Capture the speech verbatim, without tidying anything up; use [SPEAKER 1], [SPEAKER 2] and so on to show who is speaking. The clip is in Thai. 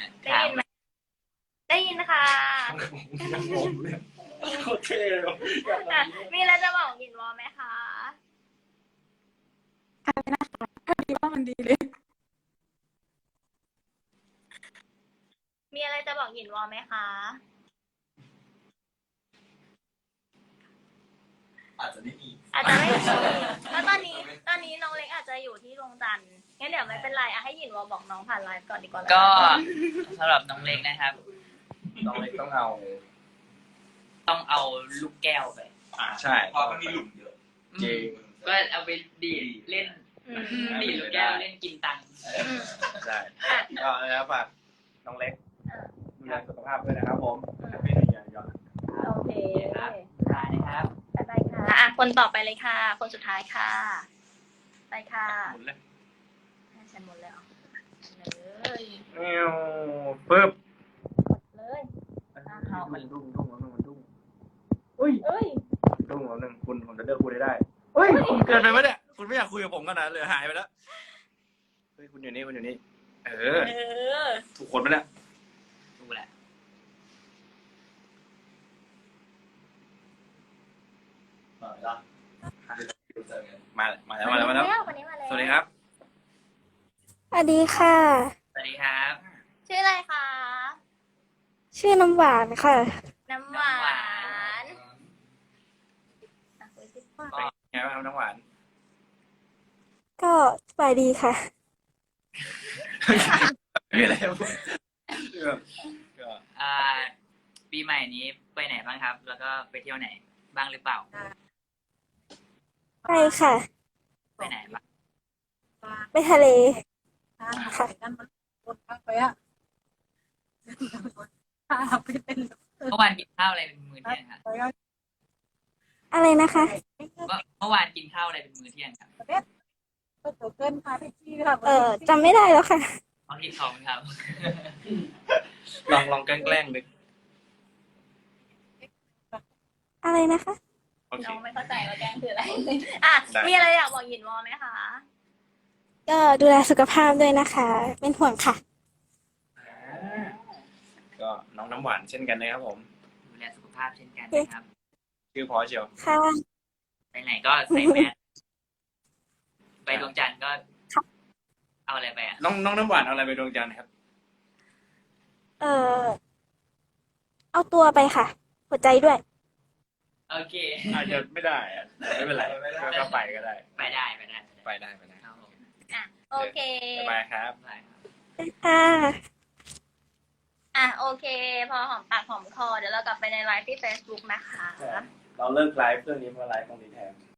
[SPEAKER 1] ได้ยินไหมได้ยินค่ะ
[SPEAKER 2] ผมเนี่ยโคตรเท่เลย
[SPEAKER 1] อ่ะมีอะไรจะบอกหยินวอไหมคะ
[SPEAKER 3] ดีว่ามันดีเลย
[SPEAKER 1] มีอะไรจะบอกหยินวอไหมคะ
[SPEAKER 2] อาจจะไม่มี
[SPEAKER 1] อาจจะไม่มีเพราะตอนนี้ตอนนี้น้องเล็กอาจจะอยู่ที่ดวงจันทร์งั้นเดี๋ยวไม่เป็นไรอ่ะให้หยินวอบอกน้องผ่านไลฟ์ก่อนดีกว่า
[SPEAKER 4] ก็สำหรับน้องเล็กนะครับ
[SPEAKER 2] น้องเล็กต้องเอา
[SPEAKER 4] ต้องเอาลูกแก้วไป
[SPEAKER 2] อ่าใช่
[SPEAKER 5] เพราะมันมีหลุมเยอะ
[SPEAKER 2] จริง
[SPEAKER 4] ก็เอาไปดีดเล่น
[SPEAKER 1] อืม
[SPEAKER 4] ดีดลูกแก้วเล่นกินตังค์
[SPEAKER 1] อืม
[SPEAKER 2] ใช่
[SPEAKER 1] อ่ะ
[SPEAKER 2] ก็นะครับฝากน้องเล็ก
[SPEAKER 1] อ่ะ
[SPEAKER 2] ดูแลสุขภาพด้วยนะครับผม
[SPEAKER 1] อืม
[SPEAKER 2] แฮปปี้นิวเยียร์ย้อน
[SPEAKER 1] โอเค
[SPEAKER 4] ครับได้นะครับ
[SPEAKER 1] ไปค่ะอ่ะคนต่อไปเลยค่ะ คนสุดท้ายค่ะ ไปค่ะ
[SPEAKER 2] หมุนเลย
[SPEAKER 1] ให้ฉันหมดเลยเหรอเลย
[SPEAKER 2] เอวปึ๊บ
[SPEAKER 1] เลย
[SPEAKER 2] เขามันดุ้งดุ้งมันดุ้งมันดุ้งอุ้ย
[SPEAKER 1] เอ้ย
[SPEAKER 2] ดุ้งแล้วหนึ่งคุณผมจะเลือกคุณได้ได้เฮ้ยคุณเกินไปไหมเนี่ยคุณไม่อยากคุยกับผมขนาดนั้นเลยหายไปแล้วเฮ้ยคุณอยู่นี่คุณอยู่นี่เออ
[SPEAKER 1] เออ
[SPEAKER 2] ถูกคนไหมเนี่ย
[SPEAKER 4] ดูแหละ
[SPEAKER 5] มาแล้วเจอกัน
[SPEAKER 2] มามาแล้วมาแล้วมาแล้ว
[SPEAKER 1] คนนี้มาแล้ว
[SPEAKER 2] สวัสดีครับ
[SPEAKER 3] สวัสดีค่ะ
[SPEAKER 4] สวัสดีครับ
[SPEAKER 1] ชื่ออะไรคะ
[SPEAKER 3] ชื่อน้ำหวานค่ะ
[SPEAKER 1] น้ำหวานอ่ะคุยสิ
[SPEAKER 2] เป็นไงบ้างครับน้องหวาน
[SPEAKER 3] ก็สบายดีค่ะ
[SPEAKER 2] มีอะไรครับก็
[SPEAKER 4] อ่า ปีใหม่นี้ไปไหนบ้างครับ แล้วก็ไปเที่ยวไหนบ้างหรือเปล่า
[SPEAKER 3] ไปค่ะ
[SPEAKER 4] ไปไหนบ้าง
[SPEAKER 3] ไปทะเล
[SPEAKER 6] ค่ะคนพักไปอ่ะพาไปเป็น
[SPEAKER 4] เมื่อวานกินข้าวอะไรเป็นมื้อเที่ยงครับ
[SPEAKER 6] ไปก็
[SPEAKER 3] อะไรนะคะ
[SPEAKER 4] เมื่อเมื่อวานกินข้าวอะไรเป็นมื้อเที่ยงครับ
[SPEAKER 6] ตัวเกินพาไปที่ค่ะ
[SPEAKER 3] เออจำไม่ได้แล้วค่ะ
[SPEAKER 4] เอาที่ท้องครับ
[SPEAKER 2] ลองลองแกล้งๆดึก
[SPEAKER 3] อะไรนะคะ
[SPEAKER 2] โอเค
[SPEAKER 1] น้องไม่เข้าใจว่าแกล้งคืออะไร อ่ะ
[SPEAKER 2] ได้
[SPEAKER 1] มีอะไรอยากบอกหยินวอไหมคะ
[SPEAKER 3] ก็ดูแลสุขภาพด้วยนะคะ เป็นห่วงค่ะ
[SPEAKER 2] ก็น้องน้ำหวานเช่นกันนะครับผม
[SPEAKER 4] ดูแลสุขภาพเช่นกันนะครับ
[SPEAKER 2] ชื่อพอเชียว
[SPEAKER 3] ค่ะ
[SPEAKER 4] ไปไหนก็ใส่แมสไปดวงจันทร์ก็ เอาอะไรไปอ่ะ
[SPEAKER 2] น้องน้องน้ำหวานเอาอะไรไปดวงจันทร์ครับ
[SPEAKER 3] เออเอาตัวไปค่ะ หัวใจด้วย
[SPEAKER 4] โอเค
[SPEAKER 2] อาจจะไม่ได้อะไม่เป็นไรก็ไปก็ได้
[SPEAKER 4] ไปได้ไปได้
[SPEAKER 2] ไปได้ไปได้
[SPEAKER 4] ครับผม
[SPEAKER 1] อ่ะ โอเค
[SPEAKER 2] สบายครับ
[SPEAKER 4] ได้ครับ
[SPEAKER 3] ค่ะ
[SPEAKER 1] อ่ะ โอเค พอหอมปากหอมคอ เดี๋ยวเรากลับไปในไลฟ์ที่ Facebook นะคะ
[SPEAKER 2] เราเลิกไลฟ์เรื่องนี้เพราะไลฟ์ตรงนี้แทน